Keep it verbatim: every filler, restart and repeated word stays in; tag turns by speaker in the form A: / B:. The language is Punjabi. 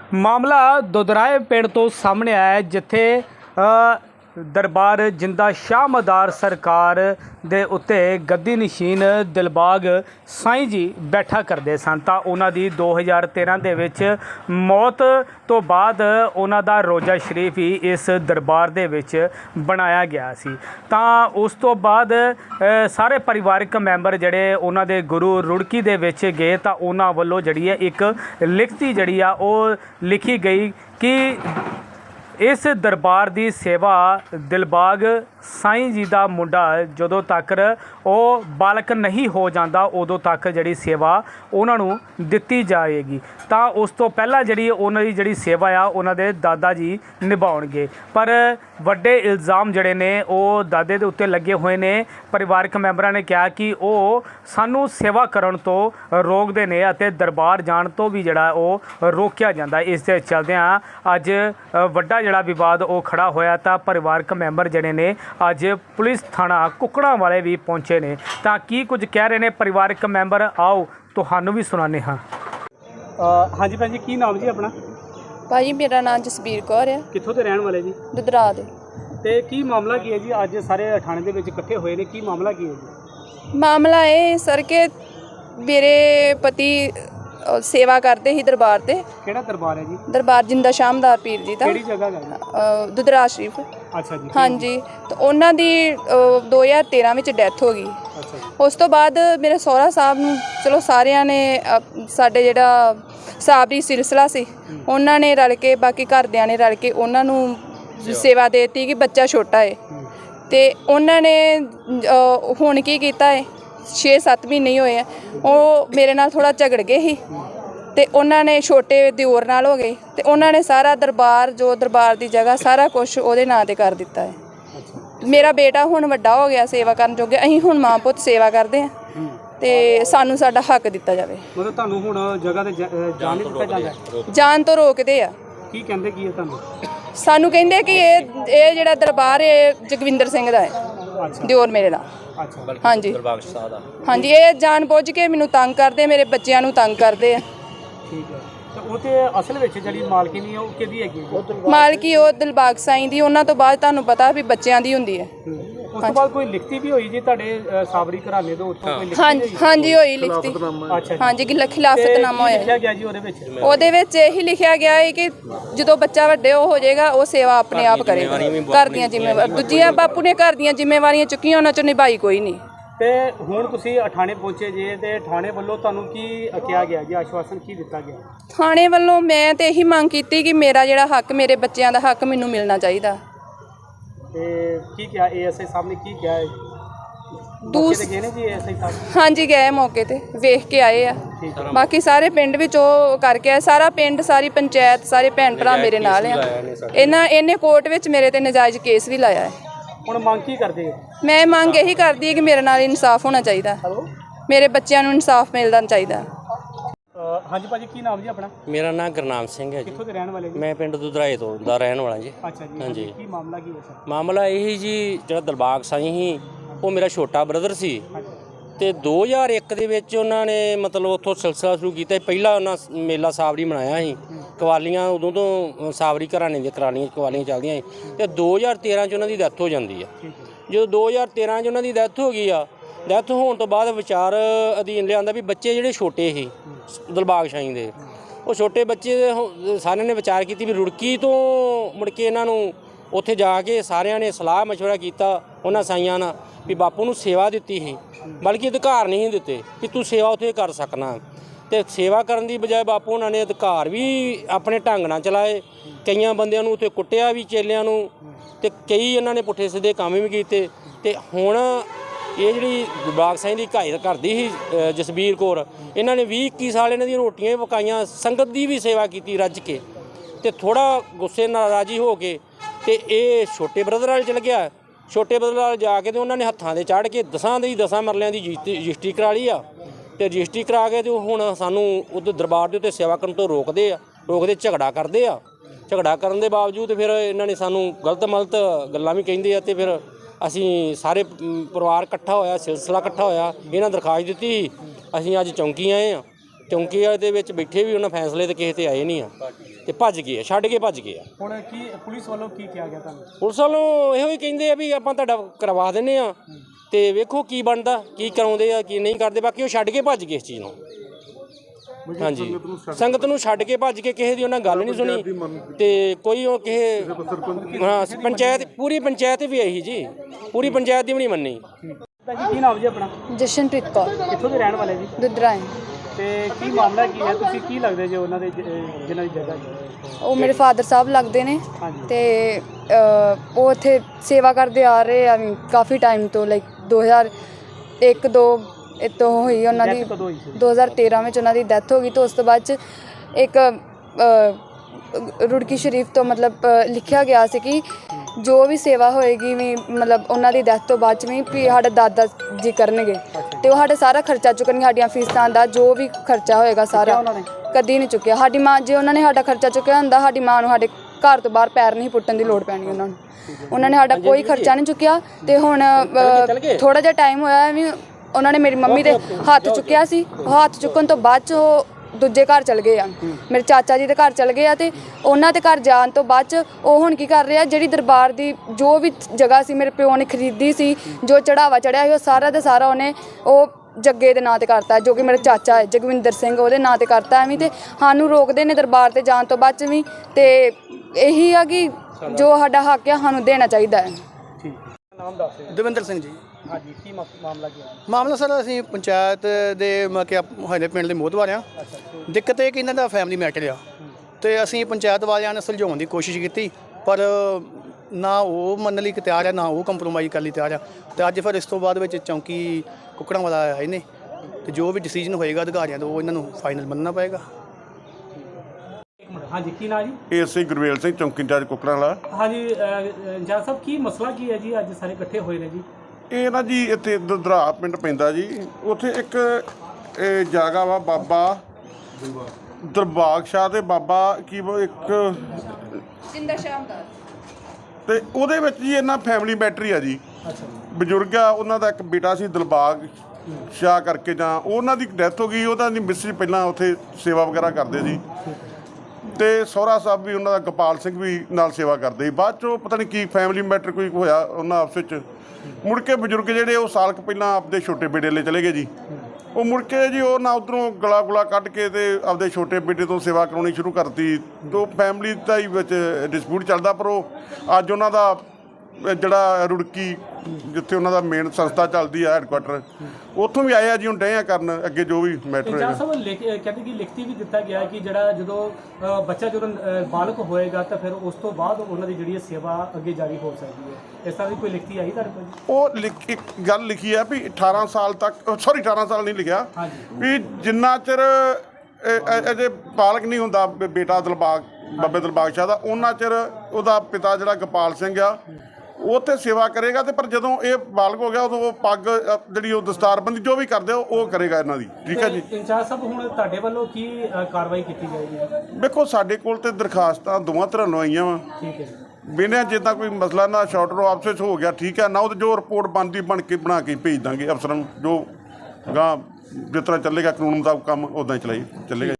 A: मामला दुधराए पिंड तो सामने आया है जिथे दरबार जिंदा शाह मदार सरकार दे उत्ते गद्दी नशीन दिलबाग साईं जी बैठा करते सन। तो उन्हां दी दो हज़ार तेरह दे विच मौत तो बाद उन्हां दा रोज़ा शरीफ ही इस दरबार दे विच बनाया गया सी। तो उस तो बाद सारे परिवारक मैंबर जिहड़े उन्हां दे गुरु रुड़की दे विच गए तो उन्हां वल्लों जिहड़ी है एक लिखती जिहड़ी आ ओह लिखी गई कि इस दरबार की सेवा दिलबाग साईं जी का मुंडा जदों तक वो बालक नहीं हो जाता उदों तक जी सेवा उन्होंने दिती जाएगी। तो उस तो पहला जी उन्होंने जी सेवा आ उन्होंने दादा जी निभाउणगे। पर वड्डे इल्ज़ाम जड़े ने वो दादे दे उत्ते लगे हुए ने। परिवारक मैंबरां ने कहा कि वो सानू सेवा करन तो रोकदे ने अते दरबार जाण तो भी जिहड़ा वो रोकिया जांदा। इस दे चलदिआं अज वड्डा जिहड़ा विवाद वो खड़ा होया तां परिवारक मैंबर जिहड़े ने अज पुलिस थाणा कुकड़ा वाले भी पहुंचे ने। तां की कुछ कह रहे ने परिवारक मैंबर आओ तुहानू भी सुनाने हाँ। हाँ जी भैन जी की नाम जी अपना?
B: भाजी मेरा नाम जसबीर कौर है।
A: कित्थों दे रहण वाले जी?
B: दुधरा दे।
A: ते की मामला की है जी अज सारे थाणे दे विच इकट्ठे होए ने, की मामला की है जी?
B: मामला ये सर के मेरे पति सेवा करते ही दरबार ते।
A: केड़ा दरबार है जी? दरबार
B: जिंदा शामदार पीर जी दा।
A: केड़ी जगह है?
B: दुधरा शरीफ।
A: अच्छा जी।
B: हाँ जी। तो उन्हां दी दो हज़ार तेरह में डैथ हो गई। अच्छा। उस तो बाद मेरे सहुरा साहब नूं चलो सारिਆਂ ने साडे जिहड़ा साबरी सिलसिला सी उन्हां ने रल के बाकी घरदिਆਂ ने रल के उन्हां नूं सेवा देती कि बच्चा छोटा है। तो उन्होंने हुण की कीता है छे सत्त महीने ही होए हैं वो मेरे नाल थोड़ा झगड़ गए ही ते उन्होंने छोटे दिओर नाल हो गए तो उन्होंने सारा दरबार जो दरबार की जगह सारा कुछ उहदे नां ते कर दिता है। मेरा बेटा हुण वड्डा हो गया सेवा करन जोगे, असीं हुण मां पुत सेवा करते हैं ते सानू साडा हक दिता जावे।
A: मतलब तुहानू हुण जगह ते जाण नहीं दिता जांदा?
B: जान तो रोकदे आ। की
A: कहंदे की है तुहानू?
B: सानू कहंदे कि ये ये जिहड़ा दरबार है जगविंदर सिंह दा है दिओर मेरे दा। अच्छा। हाँ जी हाँ जी। ये जान बुझ के मैनू तंग करते, मेरे बच्चों नू तंग करते हैं।
A: ठीक है। तो वो ते असल विच जिहड़ी मालकी नहीं है वो किहदी हैगी?
B: मालकी वो दिलबाग साईं दी। उन्हां तो बाद तुहानू पता भी बच्चों दी हुंदी है।
A: उस तो बाद कोई लिखती भी होई जी तुहाडे साबरी घराने दो उत्थों कोई लिखती?
B: हाँ जी हाँ जी होई लिखती।
A: अच्छा।
B: हाँ जी खिलाफतनामा होया।
A: लिखिया गया जी ਉਹਦੇ ਵਿੱਚ?
B: ਉਹਦੇ ਵਿੱਚ ਇਹੀ ਲਿਖਿਆ ਗਿਆ ਹੈ ਕਿ ਜਦੋਂ ਬੱਚਾ ਵੱਡੇ ਹੋ ਜਾਏਗਾ ਉਹ ਸੇਵਾ ਆਪਣੇ ਆਪ ਕਰੇਗਾ। ਘਰ ਦੀਆਂ ਜ਼ਿੰਮੇਵਾਰੀਆਂ ਦੂਜੀਆਂ ਬਾਪੂ ਨੇ ਘਰ ਦੀਆਂ ਜ਼ਿੰਮੇਵਾਰੀਆਂ ਚੁੱਕੀਆਂ, ਉਹਨਾਂ ਚੋਂ ਨਿਭਾਈ ਕੋਈ ਨਹੀਂ।
A: ਤੇ ਹੁਣ ਤੁਸੀਂ ਥਾਣੇ ਪਹੁੰਚੇ ਜੇ ਤੇ ਥਾਣੇ ਵੱਲੋਂ ਤੁਹਾਨੂੰ ਕੀ ਕਿਹਾ ਗਿਆ ਜੀ, ਆਸ਼ਵਾਸਨ ਕੀ ਦਿੱਤਾ ਗਿਆ?
B: ਥਾਣੇ ਵੱਲੋਂ ਮੈਂ ਤੇ ਇਹੀ ਮੰਗ ਕੀਤੀ ਕਿ ਮੇਰਾ ਜਿਹੜਾ ਹੱਕ, ਮੇਰੇ ਬੱਚਿਆਂ ਦਾ ਹੱਕ ਮੈਨੂੰ ਮਿਲਣਾ ਚਾਹੀਦਾ। ਤੇ
A: ਕੀ ਕਿਹਾ ਏਐਸਆਈ ਸਾਹਿਬ ਨੇ, ਕੀ ਕਿਹਾ?
B: ਦੂਸ
A: ਗਏ ਨੇ ਜੀ ਏਐਸਆਈ ਸਾਹਿਬ?
B: ਹਾਂਜੀ ਗਏ, ਮੌਕੇ ਤੇ ਵੇਖ ਕੇ ਆਏ ਆ। ਬਾਕੀ ਸਾਰੇ ਪਿੰਡ ਵਿੱਚ ਉਹ ਕਰਕੇ ਆਏ, ਸਾਰਾ ਪਿੰਡ ਸਾਰੀ ਪੰਚਾਇਤ ਸਾਰੇ ਭੈਣ ਭਰਾ ਮੇਰੇ ਨਾਲ ਆ। ਇਹਨਾਂ ਇਹਨੇ ਕੋਰਟ ਵਿੱਚ ਮੇਰੇ ਤੇ ਨਜਾਇਜ਼ ਕੇਸ ਵੀ ਲਾਇਆ ਹੈ।
A: ਹੁਣ ਮੰਗ ਕੀ ਕਰਦੇ ਹੋ?
B: ਮੈਂ ਮੰਗ ਇਹੀ ਕਰਦੀ ਹਾਂ ਕਿ ਮੇਰੇ ਨਾਲ ਇਨਸਾਫ ਹੋਣਾ ਚਾਹੀਦਾ, ਮੇਰੇ ਬੱਚਿਆਂ ਨੂੰ ਇਨਸਾਫ ਮਿਲਣਾ ਚਾਹੀਦਾ।
A: ਹਾਂਜੀ ਭਾਜੀ ਕੀ ਨਾਮ ਜੀ ਆਪਣਾ?
C: ਮੇਰਾ ਨਾਮ ਗੁਰਨਾਮ ਸਿੰਘ ਹੈ ਜੀ।
A: ਕਿੱਥੋਂ ਦੇ ਰਹਿਣ ਵਾਲੇ ਜੀ?
C: ਮੈਂ ਪਿੰਡ ਦੁਧਰਾਏ ਤੋਂ ਦਾ ਰਹਿਣ ਵਾਲਾ ਜੀ।
A: ਅੱਛਾ ਜੀ।
C: ਹਾਂਜੀ।
A: ਕੀ ਮਾਮਲਾ ਕੀ ਹੈ ਸਰ?
C: ਮਾਮਲਾ ਇਹ ਜੀ ਜਿਹੜਾ ਦਿਲਬਾਗ ਸਾਈਂ ਸੀ ਉਹ ਮੇਰਾ ਛੋਟਾ ਬ੍ਰਦਰ ਸੀ ਤੇ ਦੋ ਹਜ਼ਾਰ ਇੱਕ ਦੇ ਵਿੱਚ ਉਹਨਾਂ ਨੇ ਮਤਲਬ ਉੱਥੋਂ ਸਿਲਸਿਲਾ ਸ਼ੁਰੂ ਕੀਤਾ। ਪਹਿਲਾਂ ਉਹਨਾਂ ਮੇਲਾ ਸਾਬਰੀ ਮਨਾਇਆ ਸੀ, ਕਵਾਲੀਆਂ ਉਦੋਂ ਤੋਂ ਸਾਬਰੀ ਘਰਾਣੇ ਦੀਆਂ ਕਰਾਲੀਆਂ ਕਵਾਲੀਆਂ ਚੱਲਦੀਆਂ ਸੀ ਤੇ ਦੋ ਹਜ਼ਾਰ ਤੇਰ੍ਹਾਂ 'ਚ ਉਹਨਾਂ ਦੀ ਡੈਥ ਹੋ ਜਾਂਦੀ ਆ। ਜਦੋਂ ਦੋ ਹਜ਼ਾਰ ਤੇਰ੍ਹਾਂ 'ਚ ਉਹਨਾਂ ਦੀ ਡੈਥ ਹੋ ਗਈ ਆ, ਡੈਥ ਹੋਣ ਤੋਂ ਬਾਅਦ ਵਿਚਾਰ ਅਧੀਨ ਲਿਆਂਦਾ ਵੀ ਬੱਚੇ ਜਿਹੜੇ ਛੋਟੇ ਸੀ ਦਿਲਬਾਗ ਸਾਈਂ ਦੇ, ਉਹ ਛੋਟੇ ਬੱਚੇ ਸਾਰਿਆਂ ਨੇ ਵਿਚਾਰ ਕੀਤੀ ਵੀ ਰੁੜਕੀ ਤੋਂ ਮੁੜ ਕੇ ਇਹਨਾਂ ਨੂੰ ਉੱਥੇ ਜਾ ਕੇ ਸਾਰਿਆਂ ਨੇ ਸਲਾਹ ਮਸ਼ਵਰਾ ਕੀਤਾ ਉਹਨਾਂ ਸਾਈਆਂ ਨਾਲ ਵੀ ਬਾਪੂ ਨੂੰ ਸੇਵਾ ਦਿੱਤੀ ਸੀ, ਬਲਕਿ ਅਧਿਕਾਰ ਨਹੀਂ ਦਿੱਤੇ ਵੀ ਤੂੰ ਸੇਵਾ ਉੱਥੇ ਕਰ ਸਕਣਾ। ਅਤੇ ਸੇਵਾ ਕਰਨ ਦੀ ਬਜਾਏ ਬਾਪੂ ਉਹਨਾਂ ਨੇ ਅਧਿਕਾਰ ਵੀ ਆਪਣੇ ਢੰਗ ਨਾਲ ਚਲਾਏ। ਕਈਆਂ ਬੰਦਿਆਂ ਨੂੰ ਉੱਥੇ ਕੁੱਟਿਆ ਵੀ ਚੇਲਿਆਂ ਨੂੰ, ਅਤੇ ਕਈ ਇਹਨਾਂ ਨੇ ਪੁੱਠੇ ਸਿੱਧੇ ਕੰਮ ਵੀ ਕੀਤੇ। ਅਤੇ ਹੁਣ ਇਹ ਜਿਹੜੀ ਦਿਲਬਾਗ ਸਾਈਂ ਦੀ ਘਾਇਰ ਕਰਦੀ ਸੀ ਜਸਬੀਰ ਕੌਰ, ਇਹਨਾਂ ਨੇ ਵੀਹ ਇੱਕੀ ਸਾਲ ਇਹਨਾਂ ਦੀਆਂ ਰੋਟੀਆਂ ਵੀ ਪਕਾਈਆਂ, ਸੰਗਤ ਦੀ ਵੀ ਸੇਵਾ ਕੀਤੀ ਰੱਜ ਕੇ। ਅਤੇ ਥੋੜ੍ਹਾ ਗੁੱਸੇ ਨਾਲ ਰਾਜੀ ਹੋ ਕੇ ਅਤੇ ਇਹ ਛੋਟੇ ਬ੍ਰਦਰ ਵਾਲ ਚਲ ਗਿਆ। ਛੋਟੇ ਬ੍ਰਦਰ ਵਾਲ ਜਾ ਕੇ ਅਤੇ ਉਹਨਾਂ ਨੇ ਹੱਥਾਂ 'ਤੇ ਚਾੜ੍ਹ ਕੇ ਦਸਾਂ ਦੇ ਦਸਾਂ ਮਰਲਿਆਂ ਦੀ ਰਜਿਸਟਰੀ ਰਜਿਸਟਰੀ ਕਰਾ ਲਈ ਆ। ਅਤੇ ਰਜਿਸਟਰੀ ਕਰਾ ਕੇ ਅਤੇ ਹੁਣ ਸਾਨੂੰ ਉੱਧਰ ਦਰਬਾਰ ਦੇ ਉੱਤੇ ਸੇਵਾ ਕਰਨ ਤੋਂ ਰੋਕਦੇ ਆ ਰੋਕਦੇ ਝਗੜਾ ਕਰਦੇ ਆ। ਝਗੜਾ ਕਰਨ ਦੇ ਬਾਵਜੂਦ ਫਿਰ ਇਹਨਾਂ ਨੇ ਸਾਨੂੰ ਗਲਤ ਮਲਤ ਗੱਲਾਂ ਵੀ ਕਹਿੰਦੇ ਆ। ਅਤੇ ਫਿਰ ਅਸੀਂ ਸਾਰੇ ਪਰਿਵਾਰ ਇਕੱਠਾ ਹੋਇਆ, ਸਿਲਸਿਲਾ ਇਕੱਠਾ ਹੋਇਆ, ਇਹਨਾਂ ਦਰਖਾਸਤ ਦਿੱਤੀ। ਅਸੀਂ ਅੱਜ ਚੌਂਕੀ ਆਏ ਹਾਂ ਕਿਉਂਕਿ ਇਹਦੇ ਵਿੱਚ ਬੈਠੇ ਵੀ ਉਹਨਾਂ ਫੈਸਲੇ ਤੇ ਕਿਸੇ ਤੇ ਆਏ ਨਹੀਂ ਆ ਤੇ ਭੱਜ ਗਏ ਆ, ਛੱਡ ਕੇ ਭੱਜ ਗਏ ਆ।
A: ਹੁਣ ਕੀ ਪੁਲਿਸ ਵੱਲੋਂ ਕੀ ਕਿਹਾ ਗਿਆ ਤੁਹਾਨੂੰ?
C: ਪੁਲਿਸ ਵੱਲੋਂ ਇਹੋ ਹੀ ਕਹਿੰਦੇ ਆ ਵੀ ਆਪਾਂ ਤੁਹਾਡਾ ਕਰਵਾ ਦਿੰਦੇ ਆ ਤੇ ਵੇਖੋ ਕੀ ਬਣਦਾ, ਕੀ ਕਰਾਉਂਦੇ ਆ ਕੀ ਨਹੀਂ ਕਰਦੇ। ਬਾਕੀ ਉਹ ਛੱਡ ਕੇ ਭੱਜ ਗਏ ਇਸ ਚੀਜ਼ ਨੂੰ। ਹਾਂਜੀ, ਸੰਗਤ ਨੂੰ ਛੱਡ ਕੇ ਭੱਜ ਕੇ ਕਿਸੇ ਦੀ ਉਹਨਾਂ ਗੱਲ ਨਹੀਂ ਸੁਣੀ ਤੇ ਕੋਈ ਉਹ ਕਿਸੇ ਹਾਂ ਪੰਚਾਇਤ ਪੂਰੀ ਪੰਚਾਇਤ ਵੀ ਆਈ ਜੀ, ਪੂਰੀ ਪੰਚਾਇਤ ਦੀ ਵੀ ਨਹੀਂ ਮੰਨੀ।
A: ਕੀ ਨਾਮ ਜੀ ਆਪਣਾ?
B: ਜਸ਼ਨਪ੍ਰੀਤ ਕੌਰ,
A: ਕਿੱਥੋਂ ਦੇ ਰਹਿਣ ਵਾਲੇ ਜੀ?
B: ਦੁਦਰਾਏ।
A: ਤੇ ਕੀ ਮਾਮਲਾ ਕੀ ਹੈ, ਤੁਸੀਂ ਕੀ ਲੱਗਦੇ ਜੇ ਉਹਨਾਂ ਦੇ ਜ- ਜਿਨ੍ਹਾਂ ਦੀ ਜਗ੍ਹਾ ਹੈ?
B: ਉਹ ਮੇਰੇ ਫਾਦਰ ਸਾਹਿਬ ਲੱਗਦੇ ਨੇ
A: ਹਾਂਜੀ।
B: ਤੇ ਅ, ਉਹ ਇੱਥੇ ਸੇਵਾ ਕਰਦੇ ਆ ਰਹੇ ਆ ਵੀ ਕਾਫੀ ਟਾਈਮ ਤੋਂ, ਲਾਈਕ ਦੋ ਹਜ਼ਾਰ ਇੱਕ ਦੋ ਇਤੋਂ ਹੋਈ ਉਹਨਾਂ ਦੀ।
A: Death ਕਦੋਂ ਹੋਈ ਸੀ?
B: ਦੋ ਹਜ਼ਾਰ ਤੇਰਾਂ ਵਿੱਚ ਉਹਨਾਂ ਦੀ ਡੈਥ ਹੋ ਗਈ। ਤੇ ਉਸ ਤੋਂ ਬਾਅਦ 'ਚ ਇੱਕ ਅ, ਰੁੜਕੀ ਸ਼ਰੀਫ ਤੋਂ ਮਤਲਬ ਅ, ਲਿਖਿਆ ਗਿਆ ਸੀ ਕਿ ਜੋ ਵੀ ਸੇਵਾ ਹੋਏਗੀ ਵੀ ਮਤਲਬ ਉਹਨਾਂ ਦੀ ਡੈਥ ਤੋਂ ਬਾਅਦ 'ਚ ਵੀ ਵੀ ਸਾਡੇ ਦਾਦਾ ਜੀ ਕਰਨਗੇ ਤੇ ਉਹ ਸਾਡਾ ਸਾਰਾ ਖਰਚਾ ਚੁੱਕਣਗੇ, ਸਾਡੀਆਂ ਫੀਸਾਂ ਦਾ ਜੋ ਵੀ ਖਰਚਾ ਹੋਏਗਾ ਸਾਰਾ।
A: ਉਹਨਾਂ ਨੇ
B: ਕਦੀ ਨਹੀਂ ਚੁੱਕਿਆ। ਸਾਡੀ ਮਾਂ, ਜੇ ਉਹਨਾਂ ਨੇ ਸਾਡਾ ਖਰਚਾ ਚੁੱਕਿਆ ਹੁੰਦਾ, ਸਾਡੀ ਮਾਂ ਨੂੰ ਸਾਡੇ ਘਰ ਤੋਂ ਬਾਹਰ ਪੈਰ ਨਹੀਂ ਪੁੱਟਣ ਦੀ ਲੋੜ ਪੈਣੀ ਉਹਨਾਂ ਨੂੰ। ਉਹਨਾਂ ਨੇ ਸਾਡਾ ਕੋਈ ਖਰਚਾ ਨਹੀਂ ਚੁੱਕਿਆ। ਤੇ ਹੁਣ ਥੋੜਾ ਜਿਹਾ ਟਾਈਮ ਹੋਇਆ ਵੀ ਉਹਨਾਂ ਨੇ ਮੇਰੀ ਮੰਮੀ ਦੇ ਹੱਥ ਚੁੱਕਿਆ ਸੀ। ਉਹ ਹੱਥ ਚੁੱਕਣ ਤੋਂ ਬਾਅਦ 'ਚ ਉਹ ਦੂਜੇ ਘਰ ਚਲ ਗਏ ਆ, ਮੇਰੇ ਚਾਚਾ ਜੀ ਦੇ ਘਰ ਚਲ ਗਏ ਆ। ਤੇ ਉਹਨਾਂ ਦੇ ਘਰ ਜਾਣ ਤੋਂ ਬਾਅਦ 'ਚ ਉਹ ਹੁਣ ਕੀ ਕਰ ਰਹੇ ਆ, ਜਿਹੜੀ ਦਰਬਾਰ ਦੀ ਜੋ ਵੀ ਜਗ੍ਹਾ ਸੀ ਮੇਰੇ ਪਿਓ ਨੇ ਖਰੀਦੀ ਸੀ, ਜੋ ਚੜਾਵਾ ਚੜਿਆ ਸੀ, ਉਹ ਸਾਰਾ ਦਾ ਸਾਰਾ ਉਹਨੇ ਉਹ ਜੱਗੇ ਦੇ ਨਾਂ ਤੇ ਕਰਤਾ, ਜੋ ਕਿ ਮੇਰਾ ਚਾਚਾ ਹੈ ਜਗਵਿੰਦਰ ਸਿੰਘ, ਉਹਦੇ ਨਾਂ ਤੇ ਕਰਤਾ। ਐਵੇਂ ਤੇ ਸਾਨੂੰ ਰੋਕਦੇ ਨੇ ਦਰਬਾਰ ਤੇ ਜਾਣ ਤੋਂ ਬਾਅਦ 'ਚ ਵੀ। ਤੇ ਇਹੀ ਆ ਕਿ ਜੋ ਸਾਡਾ ਹੱਕ ਆ ਸਾਨੂੰ ਦੇਣਾ ਚਾਹੀਦਾ ਹੈ।
A: ਠੀਕ, ਨਾਮ ਦੱਸ ਦਿਓ।
D: ਦਵਿੰਦਰ ਸਿੰਘ ਜੀ।
A: ਹਾਂਜੀ, ਕੀ ਮਾ- ਮਾਮਲਾ ਕੀ ਹੈ?
D: ਮਾਮਲਾ ਸਰ, ਅਸੀਂ ਪੰਚਾਇਤ ਦੇ ਮਤਲਬ ਕਿ ਸਾਡੇ ਪਿੰਡ ਦੇ ਮੋਹਤਵਾਰ ਆ। ਦਿੱਕਤ ਇਹ ਕਿ ਇਹਨਾਂ ਦਾ ਫੈਮਿਲੀ ਮੈਟਰ ਆ ਤੇ ਅਸੀਂ ਪੰਚਾਇਤ ਵਾਲਿਆਂ ਨੇ ਸੁਲਝਾਉਣ ਦੀ ਕੋਸ਼ਿਸ਼ ਕੀਤੀ, ਪਰ ਨਾ ਉਹ ਮੰਨਣ ਲਈ ਤਿਆਰ ਆ, ਨਾ ਉਹ ਕੰਪਰੋਮਾਈਜ਼ ਕਰਨ ਲਈ ਤਿਆਰ ਆ। ਤੇ ਅੱਜ ਫਿਰ ਇਸ ਤੋਂ ਬਾਅਦ ਵਿੱਚ ਚੌਂਕੀ ਕੁੱਕੜਾਂ ਵਾਲਾ ਆਏ ਨੇ ਤੇ ਜੋ ਵੀ ਡਿਸੀਜਨ ਹੋਏਗਾ ਅਧਿਕਾਰੀਆਂ ਤੋਂ ਉਹ ਇਹਨਾਂ ਨੂੰ ਫਾਈਨਲ ਮੰਨਣਾ ਪਏਗਾ।
A: ਇੱਕ ਮਿੰਟ, ਹਾਂਜੀ ਕੀ ਨਾਂ ਜੀ?
E: ਏਐਸਆਈ ਗੁਰਵੇਲ ਸਿੰਘ, ਚੌਂਕੀ ਇੰਚਾਰਜ ਕੁੱਕੜਾਂ ਵਾਲਾ।
A: ਹਾਂਜੀ ਜੱਜ ਸਾਹਿਬ, ਕੀ ਮਸਲਾ ਕੀ ਹੈ ਜੀ, ਅੱਜ ਸਾਰੇ ਇਕੱਠੇ ਹੋਏ ਨੇ ਜੀ?
E: ਇਹ ਨਾ ਜੀ ਇੱਥੇ ਦਦਰਾ ਪਿੰਡ ਪੈਂਦਾ ਜੀ, ਉੱਥੇ ਇੱਕ ਇਹ ਜਗ੍ਹਾ ਵਾ ਬਾਬਾ ਦਰਬਾਗ ਸ਼ਾਹ ਤੇ ਬਾਬਾ ਕੀ ਉਹ ਇੱਕ
B: ਜਿੰਦਾ ਸ਼ਾਮ ਦਾ
E: ਤੇ ਉਹਦੇ ਵਿੱਚ ਜੀ ਇਹਨਾਂ ਫੈਮਿਲੀ ਮੈਟਰੀ ਆ ਜੀ।
A: ਅੱਛਾ,
E: ਬਜ਼ੁਰਗ ਆ, ਉਹਨਾਂ ਦਾ ਇੱਕ ਬੇਟਾ ਸੀ ਦਿਲਬਾਗ ਸ਼ਾਹ ਕਰਕੇ, ਜਾਂ ਉਹਨਾਂ ਦੀ ਡੈਥ ਹੋ ਗਈ। ਉਹਦਾ ਦੀ ਮਿਸਿਸ ਪਹਿਲਾਂ ਉੱਥੇ ਸੇਵਾ ਵਗੈਰਾ ਕਰਦੇ ਸੀ ਤੇ ਸਹੁਰਾ ਸਾਹਿਬ ਵੀ ਉਹਨਾਂ ਦਾ ਗੋਪਾਲ ਸਿੰਘ ਵੀ ਨਾਲ ਸੇਵਾ ਕਰਦੇ ਸੀ। ਬਾਅਦ 'ਚੋਂ ਪਤਾ ਨਹੀਂ ਕੀ ਫੈਮਿਲੀ ਮੈਟਰ ਕੋਈ ਹੋਇਆ ਉਹਨਾਂ ਆਪਸ ਵਿੱਚ। ਮੁੜ ਕੇ ਬਜ਼ੁਰਗ ਜਿਹੜੇ ਉਹ ਸਾਲ ਕੁ ਪਹਿਲਾਂ ਆਪਦੇ ਛੋਟੇ ਬੇਟੇ ਲਈ ਚਲੇ ਗਏ ਜੀ। ਉਹ ਮੁੜ ਕੇ ਜੀ ਉਹ ਨਾ ਉੱਧਰੋਂ ਗਲਾ ਗੁਲਾ ਕੱਢ ਕੇ ਤੇ ਆਪਦੇ ਛੋਟੇ ਬੇਟੇ ਤੋਂ ਸੇਵਾ ਕਰਾਉਣੀ ਸ਼ੁਰੂ ਕਰਤੀ। ਤੋਂ ਫੈਮਿਲੀ ਦਾ ਹੀ ਵਿੱਚ ਡਿਸਪਿਊਟ ਚੱਲਦਾ, ਪਰ ਉਹ ਅੱਜ ਉਹਨਾਂ ਦਾ ਜਿਹੜਾ ਰੁੜਕੀ ਜਿੱਥੇ ਉਹਨਾਂ ਦਾ ਮੇਨ ਸੰਸਥਾ ਚੱਲਦੀ ਆ ਹੈਡਕੁਆਟਰ, ਉੱਥੋਂ ਵੀ ਆਏ ਆ ਜੀ। ਹੁਣ ਡਏ ਆ ਕਰਨ ਅੱਗੇ ਜੋ ਵੀ ਮੈਟਰ
A: ਜੱਜ
E: ਹੋਏਗਾ।
A: ਸਾਹਿਬ ਲਿਖ ਕਹਿੰਦੇ ਕਿ ਲਿਖਤੀ ਵੀ ਦਿੱਤਾ ਗਿਆ ਕਿ ਜਿਹੜਾ ਜਦੋਂ ਅ, ਬੱਚਾ ਜਦੋਂ ਅ, ਬਾਲਗ ਹੋਏਗਾ ਤਾਂ ਫਿਰ ਉਸ ਤੋਂ ਬਾਅਦ ਉਹਨਾਂ ਦੀ ਜਿਹੜੀ ਸੇਵਾ ਅੱਗੇ ਜਾਰੀ ਹੋ ਸਕਦੀ ਹੈ। ਇਸ ਤਰ੍ਹਾਂ ਦੀ ਕੋਈ ਲਿਖਤੀ ਆਈ ਤੁਹਾਡੇ ਕੋਲ ਜੀ?
E: ਉਹ ਲਿਖ ਇੱਕ ਗੱਲ ਲਿਖੀ ਆ ਵੀ ਅਠਾਰਾਂ ਸਾਲ ਤੱਕ, ਸੌਰੀ ਅਠਾਰਾਂ ਸਾਲ ਨਹੀਂ ਲਿਖਿਆ,
A: ਹਾਂਜੀ।
E: ਵੀ ਜਿੰਨਾ ਚਿਰ ਇਹ- ਇਹ- ਅਜੇ ਬਾਲਗ ਨਹੀਂ ਹੁੰਦਾ ਬ- ਬੇਟਾ ਦਿਲਬਾਗ ਬਾਬੇ ਦਿਲਬਾਗ ਸ਼ਾਹ ਦਾ, ਉਹਨਾਂ ਚਿਰ ਉਹਦਾ ਪਿਤਾ ਜਿਹੜਾ ਗੋਪਾਲ ਸਿੰਘ ਆ ਉਹ ਤੇ ਸੇਵਾ ਕਰੇਗਾ। ਤੇ ਪਰ ਜਦੋਂ ਇਹ ਬਾਲਗ ਹੋ ਗਿਆ ਉਦੋਂ ਉਹ ਪੱਗ ਅ, ਜਿਹੜੀ ਉਹ ਦਸਤਾਰਬੰਦੀ ਜੋ ਵੀ ਕਰਦੇ ਉਹ ਉਹ ਕਰੇਗਾ ਇਹਨਾਂ ਦੀ। ਠੀਕ ਹੈ ਜੀ।
A: ਇੰਚਾਰਜ ਸਾਹਿਬ, ਹੁਣ ਤੁਹਾਡੇ ਵੱਲੋਂ ਕੀ ਅ, ਕਾਰਵਾਈ ਕੀਤੀ ਜਾਏਗੀ?
E: ਵੇਖੋ ਸਾਡੇ ਕੋਲ ਤੇ ਦਰਖਾਸਤਾਂ ਦੋਵਾਂ ਤਰ੍ਹਾਂ ਨੂੰ ਆਈਆਂ ਵਾ।
A: ਠੀਕ ਹੈ ਜੀ।
E: ਬਿਨਾਂ ਜਿੱਦਾਂ ਕੋਈ ਮਸਲਾ ਨਾ ਸ਼ਾਰਟ ਰੋ ਆਪਸ ਵਿੱਚ ਹੋ ਗਿਆ, ਠੀਕ ਹੈ ਨਾ, ਉਹ ਜੋ ਰਿਪੋਰਟ ਬਣਦੀ ਬਣ ਕੇ ਬਣਾ ਕੇ ਭੇਜ ਦਾਂਗੇ ਅਫਸਰਾਂ ਨੂੰ। ਜੋ ਗਾਂ ਜਿਸ ਤਰ੍ਹਾਂ ਚੱਲੇਗਾ ਕਾਨੂੰਨ ਮੁਤਾਬਕ ਕੰਮ, ਉੱਦਾਂ ਹੀ ਚਲਾਈ ਚੱਲੇਗਾ।